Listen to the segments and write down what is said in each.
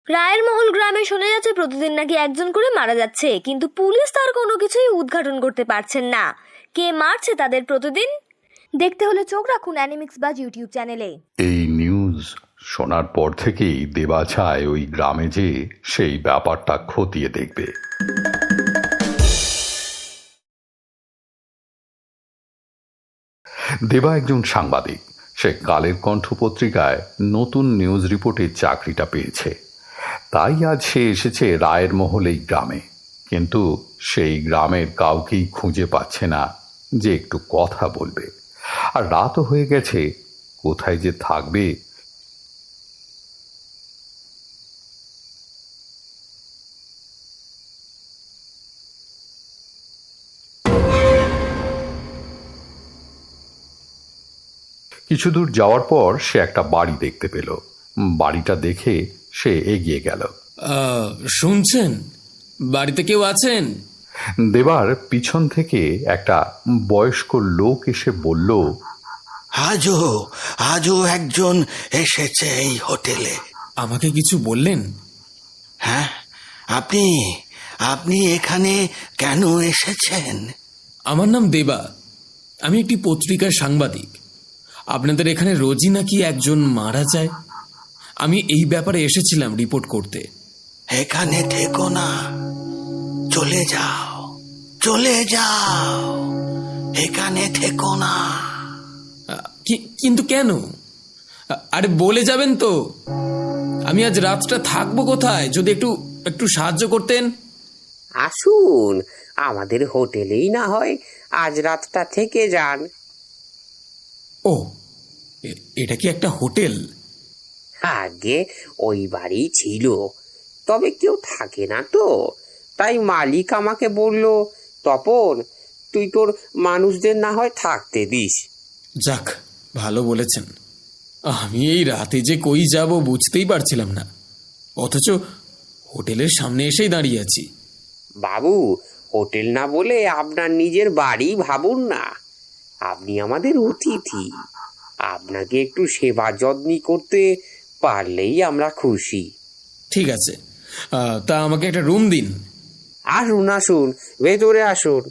রায়ের মহল গ্রামে শোনা যাচ্ছে প্রতিদিন নাকি একজন করে মারা যাচ্ছে, কিন্তু পুলিশ তার কোনো কিছুই উদ্ঘাটন করতে পারছেন না। কে মারছে তাদের প্রতিদিন? দেখতে হলে চোখ রাখুন অ্যানিমিক্স বাজ ইউটিউব চ্যানেলে। এই নিউজ শোনার পর থেকেই দেবা চায় ওই গ্রামে যে সেই ব্যাপারটা খতিয়ে দেখবে। দেবা একজন সাংবাদিক। সে কালের কণ্ঠ পত্রিকায় নতুন নিউজ রিপোর্টের চাকরিটা পেয়েছে। তাই আজ সে এসেছে রায়ের মহল এই গ্রামে। কিন্তু সেই গ্রামের কাউকেই খুঁজে পাচ্ছে না যে একটু কথা বলবে। আর রাতও হয়ে গেছে, কোথায় যে থাকবে। কিছু দূর যাওয়ার পর সে একটা বাড়ি দেখতে পেল। বাড়িটা দেখে সে এগিয়ে গেল। শুনছেন, বাড়িতে কেউ আছেন? দেবার পিছন থেকে একটা বয়স্ক লোক এসে বলল, আজও একজন এসেছে এই হোটেলে। আমাকে কিছু বললেন? হ্যাঁ, আপনি এখানে কেন এসেছেন? আমার নাম দেবা, আমি একটি পত্রিকার সাংবাদিক। আপনাদের এখানে রোজই নাকি একজন মারা যায়। আমি এই ব্যাপারে এসেছিলাম রিপোর্ট করতে। এখানে থেকো না, চলে যাও, এখানে থেকো না। কিন্তু কেন? আরে বলে যাবেন তো। আমি আজ রাতটা থাকবো কোথায়, যদি একটু সাহায্য করতেন। আসুন, আমাদের হোটেলেই না হয় আজ রাতটা থেকে যান। ও, এটা কি একটা হোটেল? আগে ওই বাড়ি ছিল, তবে কেউ থাকে না তো, তাই মালিক আমাকে বলল, তপন তুই তোর মানুষদের না হয় থাকতে দিস। যাক, ভালো বলেছেন। আমি এই রাতে যে কই যাব বুঝতেই পারছিলাম না, অথচ হোটেলের সামনে এসেই দাঁড়িয়ে আছি। বাবু, হোটেল না বলে আপনার নিজের বাড়ি ভাবুন না। আপনি আমাদের অতিথি, আপনাকে একটু সেবা যত্ন করতে পারলেই আমরা খুশি। ঠিক আছে, তা আমাকে একটা রুম দিন। আসুন, ভেতরে আসুন।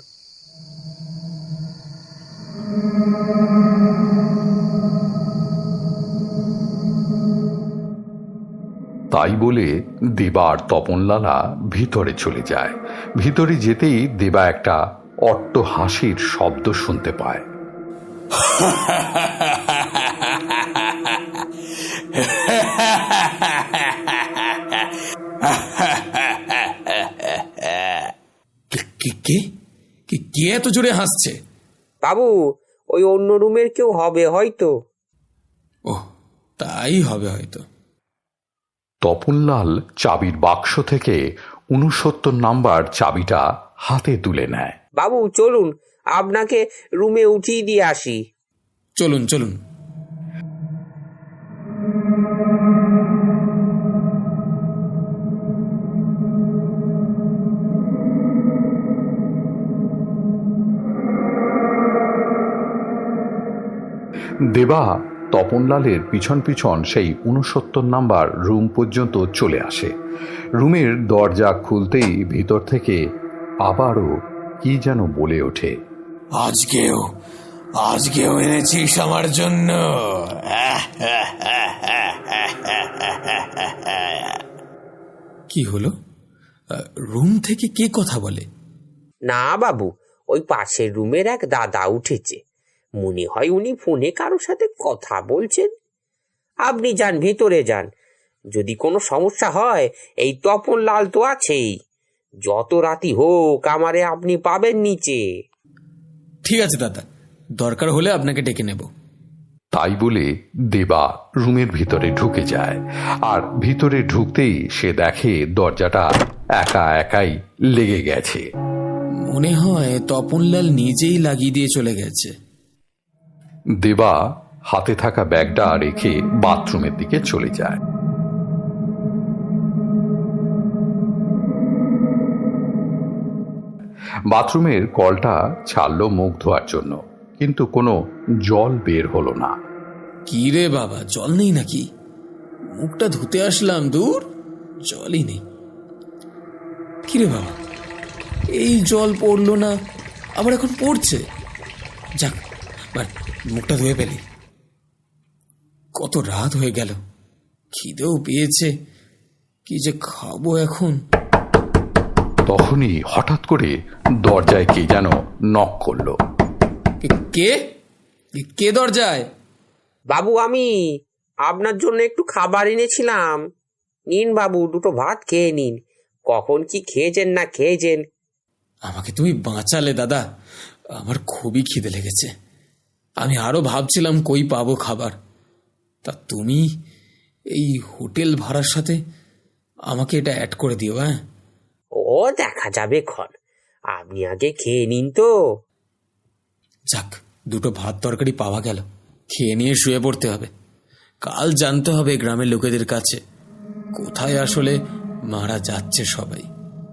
তাই বলে দেবা আর তপনলালা ভিতরে চলে যায়। ভিতরে যেতেই দেবা একটা অট্ট হাসির শব্দ শুনতে পায়। কে এত জোরে হাসছে? বাবু, ওই অন্য রুমের কেউ হবে হয়তো। ও, তাই হবে হয়তো। তপনলাল চাবির বাক্স থেকে 69 নাম্বার চাবিটা হাতে তুলে নেয়। বাবু চলুন, আপনাকে রুমে উঠিয়ে দিয়ে আসি। চলুন। দেবা তপনলালের পিছন সেই 69 নাম্বার রুম পর্যন্ত চলে আসে। রুমের দরজা খুলতেই ভিতর থেকে আবারও কি যেন বলে ওঠে, আজকেও এনেছিস আমার জন্য? কি হলো? রুম থেকে কে কথা বলে? না বাবু, ওই পাশের রুমের এক দাদা উঠেছে। মনে হয় উনি ফোনে কারোর সাথে কথা বলছেন। আপনি যান, ভেতরে যান। যদি কোনো সমস্যা হয়, এই তপন লাল তো আছেই। যত রাতি হোক আমারে আপনি পাবেন নিচে। ঠিক আছে দাদা, দরকার হলে আপনাকে ডেকে নেব। তাই বলে দেবা রুমের ভিতরে ঢুকে যায়। আর ভিতরে ঢুকতেই সে দেখে দরজাটা একাই লেগে গেছে। মনে হয় তপনলাল নিজেই লাগিয়ে দিয়ে চলে গেছে। দেবা হাতে থাকা ব্যাগটা রেখে বাথরুমের দিকে চলে যায়। বাথরুমের কলটা ছাড়লো মুখ ধোয়ার জন্য, কিন্তু কোনো জল বের হলো না। কি রে বাবা, জল নেই নাকি? মুখটা ধুতে আসলাম, দূর জলই নেই। কিরে বাবা, এই জল পড়লো না, আবার এখন পড়ছে। যাক, মুখটা ধুয়ে ফেলি। কত রাত হয়ে গেল, খিদেও পেয়েছে, কি যে খাবো এখন। তখনই হঠাৎ করে দরজায় কে যেন নক করলো। কে কে দরজায়? বাবু, আমি আপনার জন্য একটু খাবার এনেছিলাম। নিন বাবু, দুটো ভাত খেয়ে নিন। কখন কি খেয়েছেন না খেয়েছেন। আমাকে তুমি বাঁচালে দাদা, আমার খুবই খিদে লেগেছে। আমি আরো ভাবছিলাম কই পাবো খাবার, তা তুমি এই হোটেল ভাড়ার সাথে আমাকে এটা অ্যাড করে দিও। হ্যাঁ, ও দেখা যাবে ক্ষণ, আপনি আগে খেয়ে নিন তো। যাক, দুটো ভাত তরকারি পাওয়া গেল, খেয়ে নিয়ে শুয়ে পড়তে হবে। কাল জানতে হবে গ্রামের লোকেদের কাছে কোথায় আসলে মারা যাচ্ছে সবাই।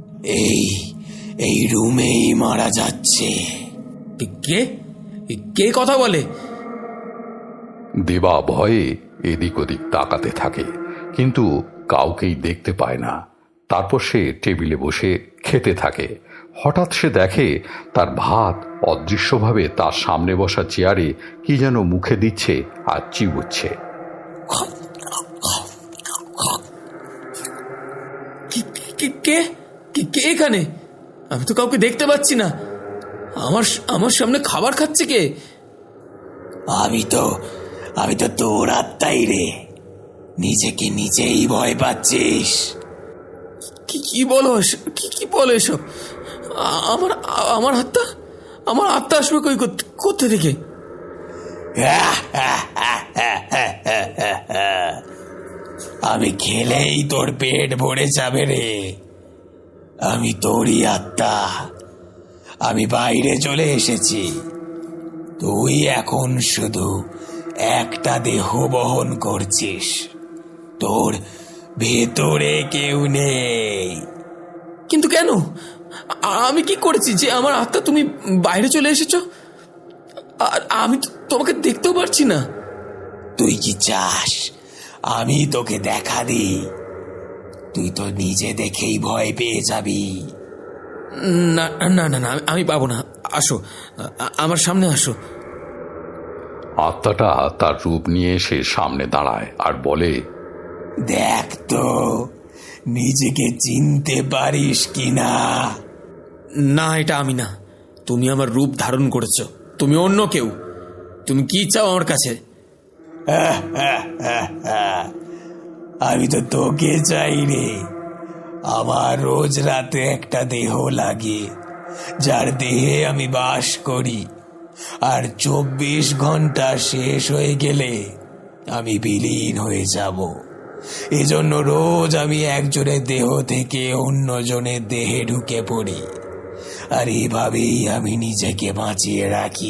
এই রুমেই মারা যাচ্ছে। কে কে কথা বলে? দেবা ভয়ে এদিক ওদিক তাকাতে থাকে, কিন্তু কাউকেই দেখতে পায় না। তারপর সে টেবিলে বসে খেতে থাকে। হঠাৎ সে দেখে তার ভাত অদৃশ্যভাবে তার সামনে বসা চেয়ারে কি যেন মুখে দিচ্ছে আর চিবুচ্ছে। কে কে এখানে? আমি তো কাউকে দেখতে পাচ্ছি না। আমার সামনে খাবার খাচ্ছে কে? আমি তো তোর আত্মাই রে। নিজেকে নিজেই ভয় পাচ্ছিস। কি বলো কি বলো এসব? আমার আত্মা আসবে কোথা থেকে? আমি খেলেই তোর পেট ভরে যাবে রে। আমি তোরই আত্মা। আমি বাইরে চলে এসেছি। তুই এখন শুধু একটা দেহ বহন করছিস। তোর ভেতরে কেউ নেই। কিন্তু কেন? আমি কি করেছি যে আমার আত্মা তুমি বাইরে চলে এসেছো? আর আমি তোমাকে দেখতেও পারছি না। তুই কি চাস আমি তোকে দেখা দিই? তুই তো নিজে দেখেই ভয় পেয়ে যাবি। না না না না, আমি পাবো না। আসো, আমার সামনে আসো। আত্মাটা তার রূপ নিয়ে এসে সামনে দাঁড়ায় আর বলে, দেখ তো নিজেকে চিনতে পারিস কিনা। না, এটা আমি না। তুমি আমার রূপ ধারণ করেছো। তুমি অন্য কেউ। তুমি কি চাও আমার কাছে? আমি তো তোকে চাই রে। আমার রোজ রাতে একটা দেহ লাগে, যার দেহে আমি বাস করি। আর 24 ঘন্টা শেষ হয়ে গেলে আমি বিলীন হয়ে যাব। এজন্য রোজ আমি একজনের দেহ থেকে অন্যজনের দেহে ঢুকে পড়ি, আর এভাবেই আমি নিজেকে বাঁচিয়ে রাখি।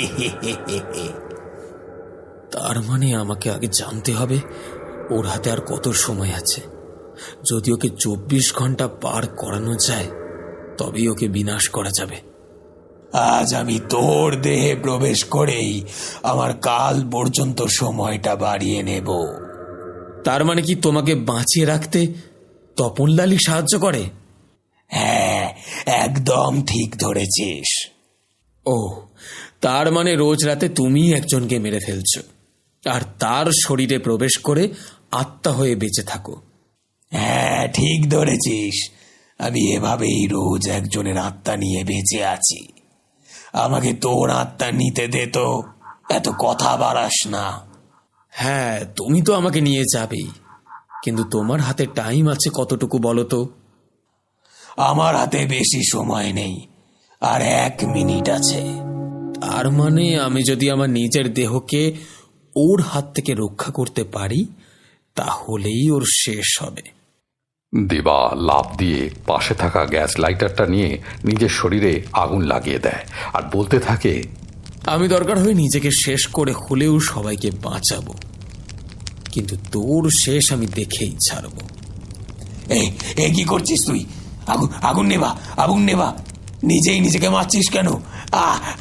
তার মানে আমাকে আগে জানতে হবে ওর হাতে আর কত সময় আছে। যদি ওকে 24 ঘন্টা পার করানো যায়, তবেই ওকে বিনাশ করা যাবে। আজ আমি তোর দেহে প্রবেশ করেই আমার কাল পর্যন্ত সময়টা বাড়িয়ে নেব। তার মানে কি তোমাকে বাঁচিয়ে রাখতে তপনলালই সাহায্য করে? হ্যাঁ, একদম ঠিক ধরেছিস। ও, তার মানে রোজ রাতে তুমি একজনকে মেরে ফেলছো আর তার শরীরে প্রবেশ করে আত্মা হয়ে বেঁচে থাকো। হ্যাঁ, ঠিক ধরেছিস। আমি এভাবেই রোজ একজনের আত্মা নিয়ে বেঁচে আছি। আমাকে তোর আত্মা নিতে দে তো, এত কথা বাড়াস না। হ্যাঁ, তুমি তো আমাকে নিয়ে যাবেই, কিন্তু তোমার হাতে টাইম আছে কতটুকু বলো তো? আমার হাতে বেশি সময় নেই, আর 1 মিনিট আছে। তার মানে আমি যদি আমার নিজের দেহকে ওর হাত থেকে রক্ষা করতে পারি, তাহলেই ওর শেষ হবে। দেবা লাফ দিয়ে পাশে থাকা গ্যাস লাইটারটা নিয়ে নিজের শরীরে আগুন লাগিয়ে দেয় আর বলতে থাকে, আমি দরকার হয় নিজেকে শেষ করে হলেও সবাইকে বাঁচাবো, কিন্তু তোর শেষ আমি দেখেই ছাড়বো। এই কি করছিস তুই? আগুন নেবা, আগুন নেবা। নিজেই নিজেকে মারছিস কেন?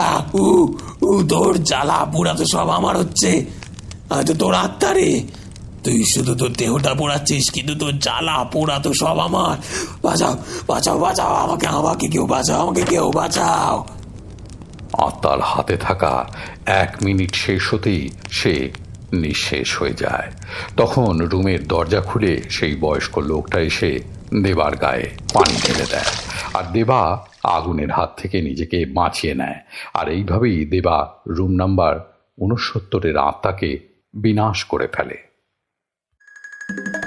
তোর জ্বালা পুরা তো সব আমার হচ্ছে। তো তোর আত্মা রে, তুই শুধু তোর দেহটা পোড়াচ্ছিস, কিন্তু তোর জ্বালা পোড়া তো সব আমার। বাঁচাও বাঁচাও বাঁচাও, আমাকে আমাকে কেউ বাঁচাও, আমাকে কেউ বাঁচাও। আত্মার হাতে থাকা 1 মিনিট শেষ হতেই সে নিঃশেষ হয়ে যায়। তখন রুমের দরজা খুলে সেই বয়স্ক লোকটা এসে দেবার গায়ে পানি ঢেলে দেয়, আর দেবা আগুনের হাত থেকে নিজেকে বাঁচিয়ে নেয়। আর এইভাবেই দেবা রুম নাম্বার 69-এর আত্মাকে বিনাশ করে ফেলে।